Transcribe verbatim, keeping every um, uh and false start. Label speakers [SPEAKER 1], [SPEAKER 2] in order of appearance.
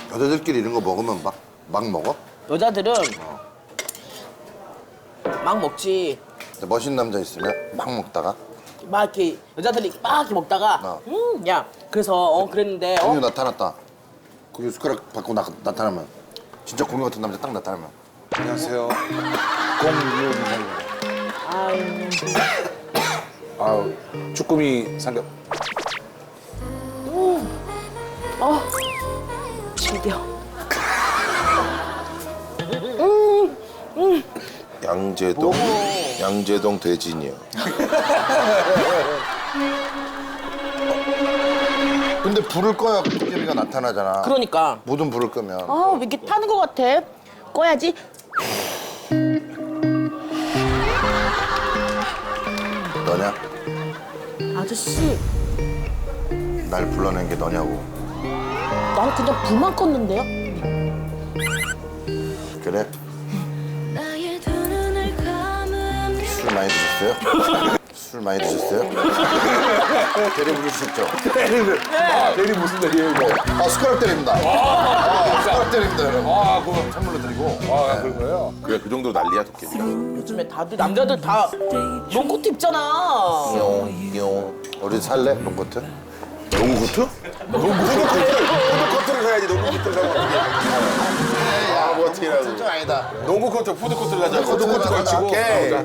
[SPEAKER 1] 여자들끼리 이런 거 먹으면 막, 막 먹어?
[SPEAKER 2] 여자들은 막 먹지.
[SPEAKER 1] 근데 멋있는 남자 있으면 막 먹다가
[SPEAKER 2] 막 이렇게 여자들이 막 이렇게 먹다가
[SPEAKER 1] 어.
[SPEAKER 2] 음, 야 그래서 어 그랬는데 어?
[SPEAKER 1] 공유 나타났다. 거기 숟가락 받고 나, 나타나면 진짜 공유 같은 남자 딱 나타나면
[SPEAKER 3] 안녕하세요. 공유호 기사입니다.
[SPEAKER 2] 아유
[SPEAKER 3] 아우 쭈꾸미 삼겹.
[SPEAKER 2] 어 즐겨.
[SPEAKER 1] 양재동 양재동 대진이요. 근데 불을 꺼야 도깨비가 나타나잖아.
[SPEAKER 2] 그러니까
[SPEAKER 1] 모든 불을 끄면
[SPEAKER 2] 아 왜 이렇게 타는 것 같아? 꺼야지.
[SPEAKER 1] 너냐?
[SPEAKER 2] 아저씨
[SPEAKER 1] 날 불러낸 게 너냐고.
[SPEAKER 2] 난 그냥 불만 껐는데요?
[SPEAKER 1] 그래?
[SPEAKER 4] 나의 두 눈을 감으면
[SPEAKER 1] 술 많이 드셨어요? 술 많이 드셨어요? 대리 부르셨죠?
[SPEAKER 3] 대리를. 아 대리 무슨 대리예요 이거?
[SPEAKER 1] 아 숟가락 때립니다. 아, 숟가락 때립니다 여러분.
[SPEAKER 3] 아 그거
[SPEAKER 1] 선물로 드리고.
[SPEAKER 3] 아 그런 거예요?
[SPEAKER 5] 그래 그 정도 난리야 도깨비가.
[SPEAKER 2] 요즘에 다들 남자들 다 롱코트 입잖아.
[SPEAKER 1] 용, 용. 우리 살래? 롱코트?
[SPEAKER 5] 농구트? 농구트? 푸드코트를 사야지 농구코트를 사면 어떻게 해? 아, 뭐 어떻게 해라고.
[SPEAKER 1] 좀 아니다.
[SPEAKER 5] 농구코트, 푸드코트를 가자.
[SPEAKER 1] 푸드코트
[SPEAKER 5] 푸드코트
[SPEAKER 1] 가자.
[SPEAKER 5] 걸치고.
[SPEAKER 1] 오케이.
[SPEAKER 5] 가보자.